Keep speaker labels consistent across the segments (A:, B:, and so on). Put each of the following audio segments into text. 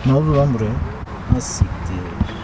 A: Ne oldu lan buraya? Nasıl siktir?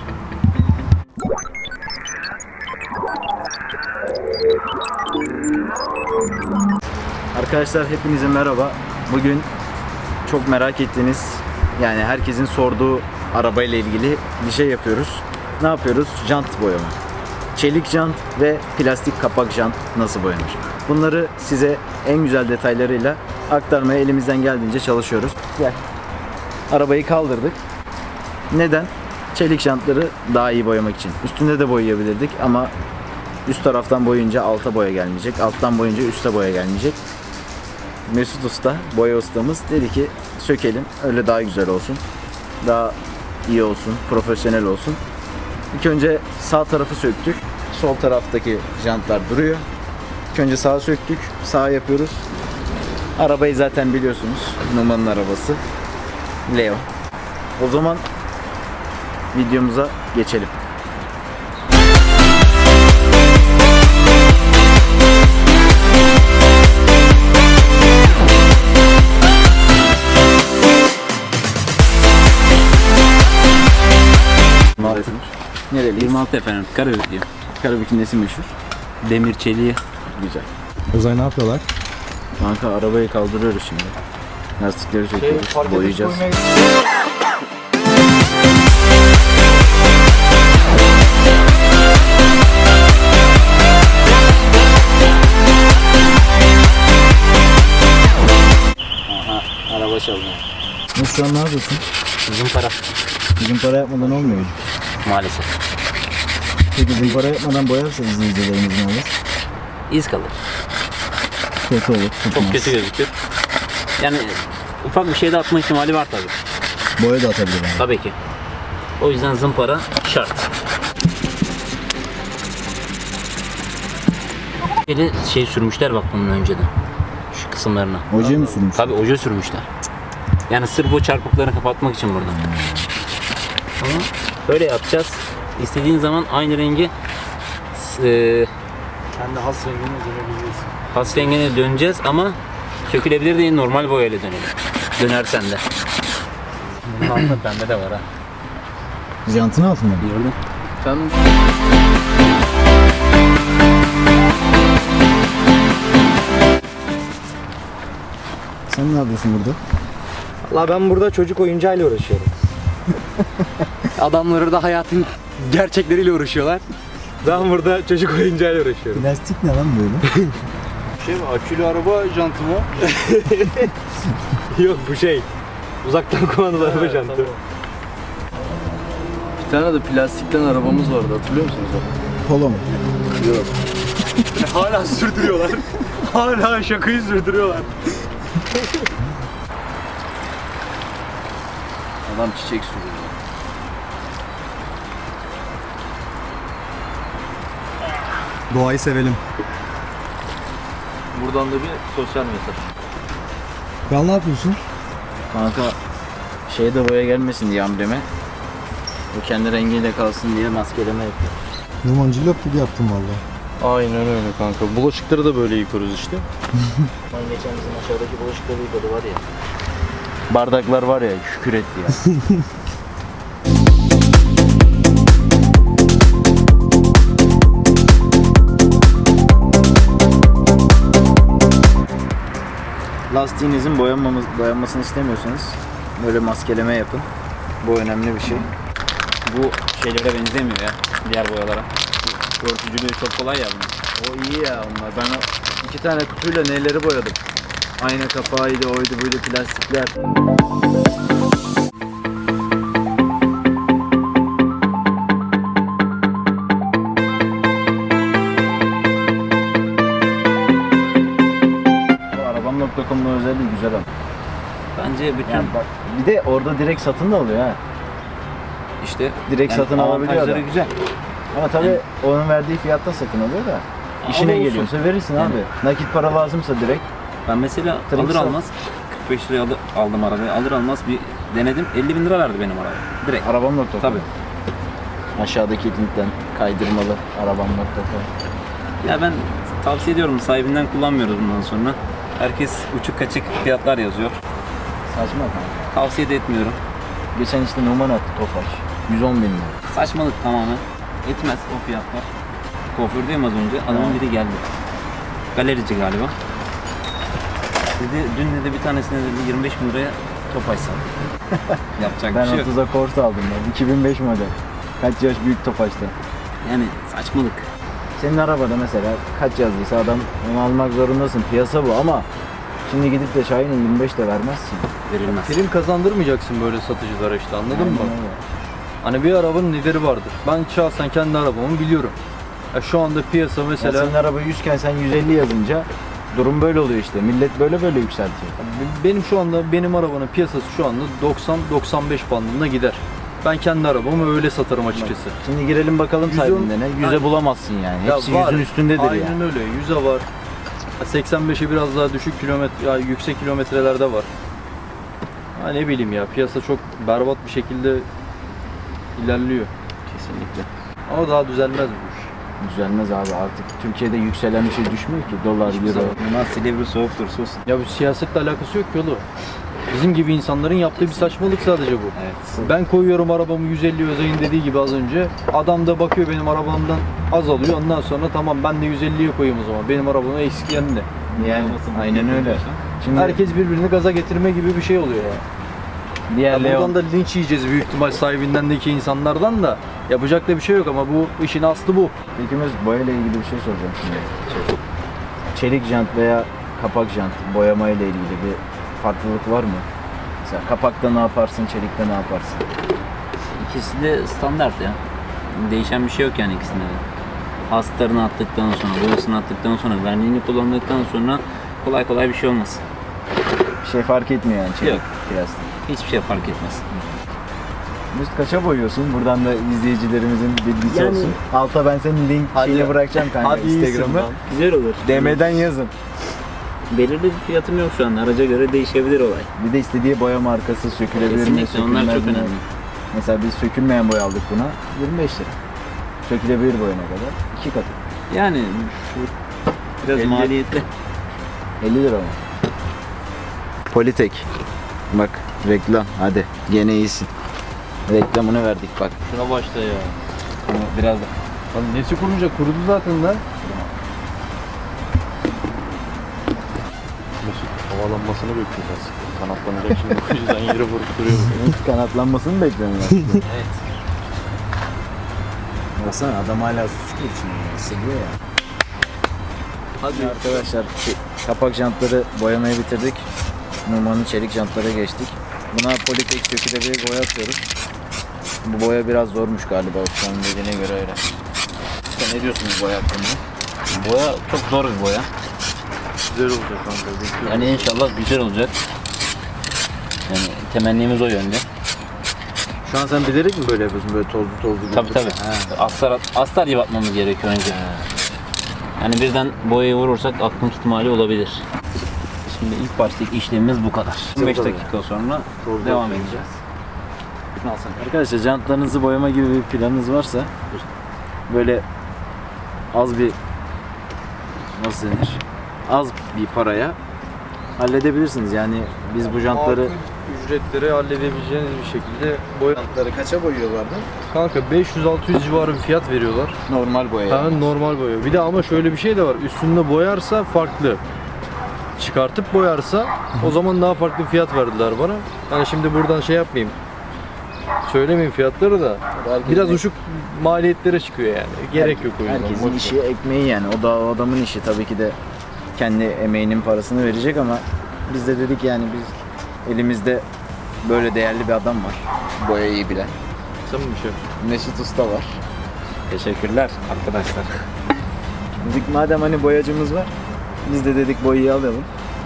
A: Arkadaşlar hepinize merhaba. Bugün çok merak ettiğiniz, yani herkesin sorduğu arabayla ilgili bir şey yapıyoruz. Ne yapıyoruz? Jant boyama. Çelik jant ve plastik kapak jant nasıl boyanır? Bunları size en güzel detaylarıyla aktarmaya elimizden geldiğince çalışıyoruz. Gel. Arabayı kaldırdık. Neden? Çelik jantları daha iyi boyamak için. Üstünde de boyayabilirdik ama üst taraftan boyunca alta boya gelmeyecek. Alttan boyunca üste boya gelmeyecek. Mesut Usta, boya ustamız dedi ki sökelim, öyle daha güzel olsun. Daha iyi olsun, profesyonel olsun. İlk önce sağ tarafı söktük. Sol taraftaki jantlar duruyor. İlk önce sağa söktük. Sağa yapıyoruz. Arabayı zaten biliyorsunuz. Numan'ın arabası. Leo. O zaman videomuza geçelim. Nereli?
B: 26 efendim. Karabük diyeyim.
A: Karabük'ün nesi meşhur?
B: Demir çeliği.
A: Güzel.
C: Uzay ne yapıyorlar?
A: Kanka arabayı kaldırıyoruz şimdi. Lastikleri söküyoruz, boyayacağız.
B: Aha, araba çalınıyor.
A: Şu an ne yapıyorsun?
B: Zımpara.
A: Zımpara yapmadan olmuyor.
B: Maalesef.
A: Peki zımpara yapmadan boyarsa izleyicilerimiz ne olur?
B: İz kalır.
A: Kötü olur.
B: Çok
A: tutmaz.
B: kötü gözükür. Yani ufak bir şey de atma ihtimali var tabii.
A: Boya da atabilir yani.
B: Tabii ki. O yüzden zımpara şart. Biri şey sürmüşler bak bunun önceden. Şu kısımlarına.
A: Oje mi sürmüş?
B: Tabii oje sürmüşler. Yani sırf o çarpıkları kapatmak için burada. Ama böyle yapacağız. İstediğin zaman aynı rengi
C: Kendi has rengine dönebiliriz.
B: has rengine döneceğiz ama sökülebilir değil, normal boyayla dönelim. Dönersen de. Bunun altında pembe de var ha.
A: Jantın altında mı?
B: Gördün? Sen
A: Sen ne yapıyorsun burada?
C: La ben burada çocuk oyuncağıyla uğraşıyorum. Adamları da hayatın gerçekleriyle uğraşıyorlar. Ben burada çocuk oyuncağıyla uğraşıyorum.
A: Plastik ne lan böyle?
C: Şey mi? Akülü araba jantı mı? Yok bu şey. Uzaktan kumandalı araba jantı.
D: Bir tane de plastikten arabamız vardı, hatırlıyor musunuz abi?
A: Polo mu?
D: Yok.
C: Hala sürdürüyorlar. Hala şakayı sürdürüyorlar.
D: Adam çiçek sürüyor.
C: Doğayı sevelim.
D: Buradan da bir sosyal mesaj.
C: Kral ne yapıyorsun?
A: Kanka şeyde boya gelmesin diye ambleme. O kendi rengiyle kalsın diye maskeleme yapıyor.
C: Numancılık gibi yaptım valla.
D: Aynen öyle kanka. Bulaşıkları da böyle yıkıyoruz işte.
A: Ben geçen bizim aşağıdaki bulaşıkları yıkadı var ya. Bardaklar var ya, şükür etti ya. Lastiğinizin boyanmasını istemiyorsanız böyle maskeleme yapın. Bu önemli bir şey.
B: bu şeylere benzemiyor ya. Diğer boyalara. Örtücülüğü çok kolay ya bunun.
A: O iyi ya onlar. Ben o 2 tane kutuyla neleri boyadım. Ayna kapağıydı, oydu buydu, plastikler. Bu arabam.com'un özelliği güzel ama.
B: Bence bütün
A: Yani bak, bir de orada direkt satın da alıyor ha.
B: işte
A: Direkt satın alabiliyor
B: avantajları
A: adam.
B: güzel.
A: Ama tabii onun verdiği fiyatta satın alıyor da. İşine
B: olsun.
A: geliyorsa verirsin
B: Yani.
A: abi. Nakit para lazımsa direkt.
B: Ben mesela
A: Trink
B: alır
A: sat.
B: almaz 45 liraya aldım arabayı. Alır almaz bir denedim. 50 bin lira verdi benim araba. Direkt.
A: Arabam.com.
B: Tabii.
A: Aşağıdaki linkten kaydırmalı arabam.com.
B: Ya ben tavsiye ediyorum, sahibinden kullanmıyoruz bundan sonra. Herkes uçuk kaçık fiyatlar yazıyor.
A: Saçma kanka.
B: Tavsiye de etmiyorum.
A: Geçen işte Numan attı Tofaş. 110 bin lira.
B: Saçmalık tamamen. Etmez o fiyatlar. Kuafördeyim az önce. Adamın biri geldi. Galerici galiba. Dedi, dün dedi bir tanesine dedi 25 bin liraya Tofaş sattı. Yapacak
A: Ben
B: bir şey yok.
A: 30'a Corsa aldım ben. 2005 model. Kaç yaş büyük Tofaş'ta.
B: Yani saçmalık.
A: Senin arabada mesela kaç yazdıysa adam onu almak zorundasın. Piyasa bu ama şimdi gidip de Şahin'e 25 de vermezsin.
B: Verilmez.
C: Prim kazandırmayacaksın böyle satıcılara işte, anladın mı?
A: Aynen öyle.
C: Hani bir arabanın lideri vardır. Ben şahsen kendi arabamı biliyorum. Ya şu anda piyasa
A: Ya
C: mesela
A: senin araba 100 iken sen 150 yazınca durum böyle oluyor işte. Millet böyle yükseltiyor.
C: benim şu anda benim arabanın piyasası şu anda 90-95 bandında gider. Ben kendi arabamı öyle satarım açıkçası.
A: Şimdi girelim bakalım
C: 110
A: sahibinde ne? 100'e
C: Aynen.
A: bulamazsın yani.
C: Ya
A: Hepsi
C: var.
A: 100'ün üstündedir
C: Aynen
A: yani.
C: öyle. 100'e var. 85'e biraz daha düşük kilometre, ya yüksek kilometrelerde var. Ha ne bileyim ya, piyasa çok berbat bir şekilde ilerliyor.
B: Kesinlikle.
C: Ama daha düzelmez bu iş.
A: Düzelmez abi artık. Türkiye'de yükselen bir şey düşmüyor ki. Dolar, euro.
B: Bunlar Silivri soğuktur sus.
C: Ya bu siyasetle alakası yok ki oğlum. Bizim gibi insanların yaptığı bir saçmalık sadece bu.
B: Evet.
C: Ben koyuyorum arabamı 150 Özay'ın dediği gibi az önce. Adam da bakıyor benim arabamdan az alıyor. Ondan sonra tamam ben de 150'ye koyayım o zaman. Benim arabamın eksik yanı ne?
A: Yani aynen öyle. Şimdi
C: Herkes birbirini gaza getirme gibi bir şey oluyor ya.
A: diğer
C: Ya
A: Leon
C: buradan da linç yiyeceğiz büyük ihtimal sahibindendeki insanlardan da. Yapacak da bir şey yok ama bu işin aslı bu.
A: İkimiz boyayla ilgili bir şey soracağım şimdi. Çelik jant veya kapak jant boyama ile ilgili bir farklılık var mı? Mesela kapakta ne yaparsın, çelikte ne yaparsın?
B: İkisi de standart ya. Değişen bir şey yok yani ikisinde de. Astarını attıktan sonra, boyasını attıktan sonra, verniğini kullandıktan sonra kolay kolay bir şey olmaz.
A: Bir şey fark etmiyor yani çelik
B: Yok.
A: plastik.
B: Hiçbir şey fark etmez.
A: Üst kaça boyuyorsun? Buradan da izleyicilerimizin bilgisi
B: Yani-
A: olsun. Alta ben senin link şeyini bırakacağım kanka Instagram'ı.
B: Güzel olur.
A: DM'den yazın.
B: Belirli bir fiyatım yok şu an. Araca göre değişebilir olay.
A: Bir de istediği boya markası sökülebilir mi,
B: Kesinlikle onlar
A: sökülmez
B: çok
A: mi?
B: önemli.
A: Mesela biz sökülmeyen boya aldık buna 25 lira. Sökülebilir boya ne kadar? 2 katı.
B: Yani biraz
A: 50.
B: maliyetli.
A: 50 lira mı? Politek. Bak reklam hadi gene iyisin. Reklamını verdik bak.
C: Şuna başla ya.
B: Biraz da.
C: Lan nesi kurunca kurudu zaten lan.
D: Mesut havalanmasını bekliyoruz. Kanatlanacak şimdi o yüzden yere vurup duruyor.
A: Kanatlanmasını bekliyorum ben.
B: Evet.
A: Baksana adam hala suç geçiyor. Hissediyor ya. Hadi arkadaşlar kapak jantları boyamayı bitirdik. Numan'ın çelik jantlara geçtik. Buna Politek sökülebilir boya atıyoruz. Bu boya biraz zormuş galiba ustanın dediğine göre öyle. Usta ne diyorsunuz boya hakkında?
B: Boya çok zor bir boya.
D: Güzel olacak kanka. Bekliyorum.
B: Yani inşallah güzel olacak. Yani temennimiz o yönde.
A: Şu an sen bilerek mi böyle yapıyorsun böyle tozlu?
B: Tabii tabii. Astar gibi atmamız gerekiyor önce. Yani birden boyayı vurursak akmak ihtimali olabilir. Şimdi ilk baştaki işlemimiz bu kadar. 15 dakika sonra devam edeceğiz. Şunu alsana.
A: Arkadaşlar jantlarınızı boyama gibi bir planınız varsa böyle az bir nasıl denir? Az bir paraya halledebilirsiniz. Yani biz bu jantları
C: Makul ücretleri halledebileceğiniz bir şekilde boya.
A: jantları kaça boyuyorlardı?
C: Kanka 500-600 civarı bir fiyat veriyorlar.
A: Normal boya.
C: Ha, normal boya. Bir de ama şöyle bir şey de var. Üstünde boyarsa farklı. Çıkartıp boyarsa o zaman daha farklı fiyat verdiler bana. Yani şimdi buradan şey yapmayayım. Söylemeyeyim fiyatları da. Biraz uçuk maliyetlere çıkıyor yani. Gerek yok o yüzden.
A: Herkesin
C: Boş ver.
A: işi ekmeği yani. O da o adamın işi tabii ki de kendi emeğinin parasını verecek ama biz de dedik yani biz elimizde böyle değerli bir adam var. Boyayı bilen.
C: Sen mi bir şey?
A: Mesut Usta var.
B: Teşekkürler arkadaşlar.
A: Dedik madem hani boyacımız var. Biz de dedik boyayı alalım.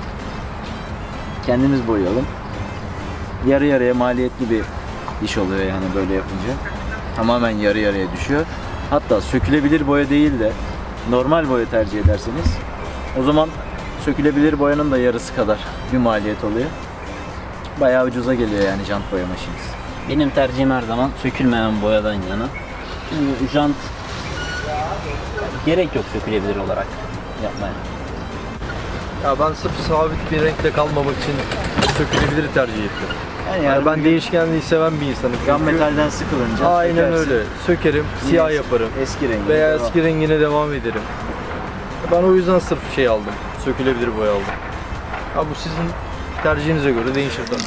A: Kendimiz boyayalım. Yarı yarıya maliyetli bir iş oluyor yani böyle yapınca. Tamamen yarı yarıya düşüyor. Hatta sökülebilir boya değil de normal boya tercih ederseniz o zaman sökülebilir boyanın da yarısı kadar bir maliyet oluyor. Bayağı ucuza geliyor yani jant boya maşinesi.
B: Benim tercihim her zaman sökülmeyen boyadan yana. Çünkü jant gerek yok sökülebilir olarak yapmaya.
C: Ya ben sırf sabit bir renkle kalmamak için sökülebilir tercih ettim. Yani ben değişkenliği seven bir insanım.
A: Cam
C: çünkü.
A: metalden sıkılınca
C: Aynen
A: sökersin.
C: öyle. Sökerim,
A: Yine
C: siyah yaparım.
A: Eski rengi.
C: Veya
A: devam.
C: eski rengine devam ederim. Ben o yüzden sırf şey aldım. Sökülebilir boya aldım. Ha bu sizin tercihinize göre değişir tabii.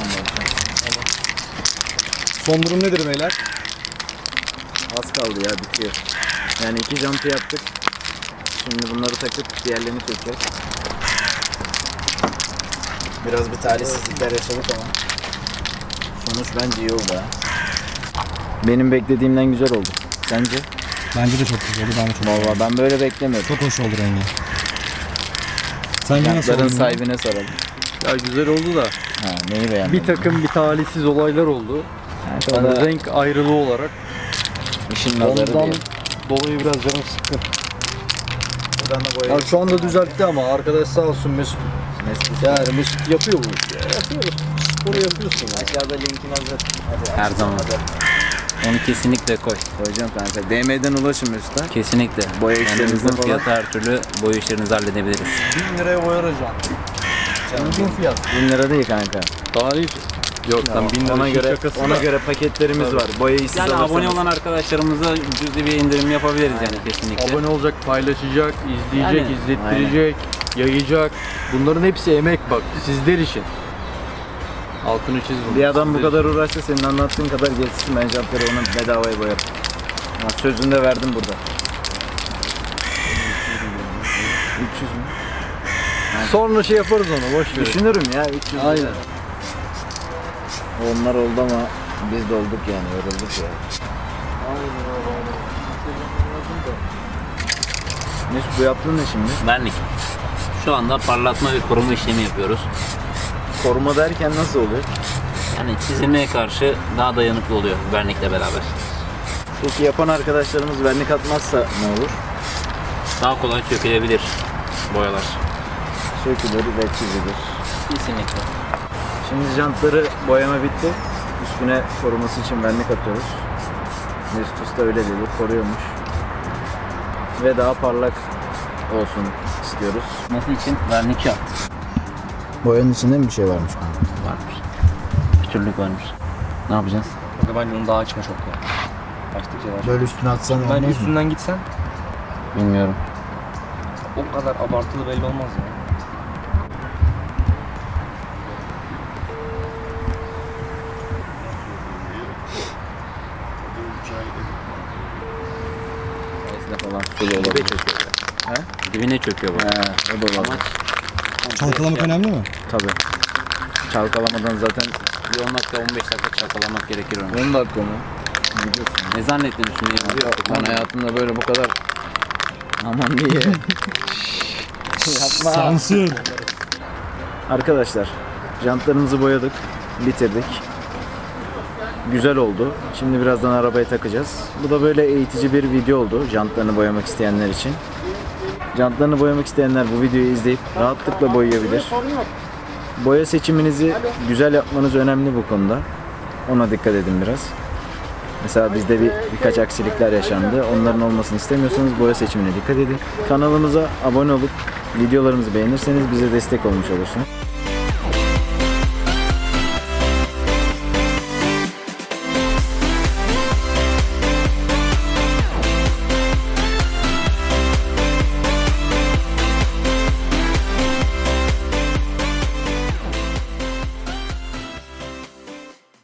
D: Son durum nedir beyler?
A: Az kaldı ya, bitiyor. Yani 2 jantı yaptık. Şimdi bunları takıp diğerlerini sökeceğiz. Biraz bir talihsizlikler yaşadık ama sonuç bence iyi oldu ha. Benim beklediğimden güzel oldu. Sence?
E: Bence de çok güzel oldu. Ben de çok
A: Vallahi ben böyle beklemiyordum.
E: Çok hoş oldu rengi. Sence nasıl
A: Jantların
E: oldu?
A: sahibine soralım.
C: Ya güzel oldu da
A: Ha, neyi beğendin?
C: bir takım bir talihsiz olaylar oldu.
A: o
C: Yani
A: da
C: renk ayrılığı olarak.
A: işin nazarı
C: Ondan
A: değil.
C: dolayı biraz canım sıkkın.
A: Buradan da
C: Ya şu anda düzeltti ama arkadaş sağ olsun Mesut. Yani Mesut yapıyor bu işi. Ya. Yapıyoruz. Sporu yapıyorsun ya.
A: Aşağıda linkin hazır.
B: Her zaman. Onu kesinlikle koy.
A: Koyacağım kanka. DM'den ulaşın Mesut'a.
B: Kesinlikle.
A: Boya
B: Yani
A: işlerinizde
B: uygun
A: falan.
B: fiyata her türlü boya işlerinizi halledebiliriz.
C: 1000 liraya boyar hocam. Uygun fiyat.
A: 1000 lira değil kanka.
C: Talihsiz. Yok sen 1000 lira
A: Ona göre
C: şakası
A: ona
C: da.
A: göre paketlerimiz
C: Tabii.
A: var. Boyayı siz
B: Yani
A: alırsanız.
B: abone olan arkadaşlarımıza cüzi bir indirim yapabiliriz yani kesinlikle.
C: Abone olacak, paylaşacak, izleyecek,
B: Yani,
C: izlettirecek, yayacak. Bunların hepsi emek bak sizler için. Altını çiz bunu.
A: Bir adam bu
C: Sizler
A: kadar uğraşsa senin anlattığın kadar geçsin, ben jantları ona bedavaya boyarım. Ha, sözünü de verdim burada. 300 mü?
C: için. Sonra şey yaparız onu boş ver.
A: Düşünürüm ya 300.
C: Aynen.
A: Onlar oldu ama biz de olduk yani, yorulduk ya. Mesut bu yaptığın ne şimdi?
B: Vernik. Şu anda parlatma ve koruma işlemi yapıyoruz.
A: Koruma derken nasıl oluyor?
B: Yani çizilmeye karşı daha dayanıklı oluyor vernikle beraber.
A: Peki yapan arkadaşlarımız vernik atmazsa ne olur?
B: Daha kolay sökülebilir boyalar.
A: Sökülür ve çizilir.
B: Kesinlikle.
A: Şimdi jantları boyama bitti. Üstüne koruması için vernik atıyoruz. Mesut Usta öyle dedi, koruyormuş. Ve daha parlak olsun istiyoruz.
B: Nasıl için vernik şart.
A: Boyanın içinde mi bir şey varmış?
B: Varmış. Pütürlük varmış. Ne yapacağız?
D: Kanka bence onu daha açma çok ya. Açtıkça daha çok.
A: Böyle üstüne atsan
D: Bence üstünden gitsen
B: Bilmiyorum.
D: o kadar abartılı belli olmaz ya.
A: falan sulu olabilir.
B: Dibine çöküyor bu.
A: He, o da olabilir.
E: Çalkalamak önemli mi?
A: Tabii. Çalkalamadan zaten
B: Bir 10 dakika 15 dakika çalkalamak gerekir onu.
A: 10 dakika mı? Biliyorsun.
B: Ne zannettin şimdi?
A: Ben hayatımda böyle bu kadar aman niye? Yapma.
E: Sansür.
A: Arkadaşlar, jantlarımızı boyadık, bitirdik. Güzel oldu. Şimdi birazdan arabaya takacağız. Bu da böyle eğitici bir video oldu jantlarını boyamak isteyenler için. Jantlarını boyamak isteyenler bu videoyu izleyip rahatlıkla boyayabilir. Boya seçiminizi güzel yapmanız önemli bu konuda. Ona dikkat edin biraz. Mesela bizde birkaç aksilikler yaşandı. Onların olmasını istemiyorsanız boya seçimine dikkat edin. Kanalımıza abone olup videolarımızı beğenirseniz bize destek olmuş olursunuz.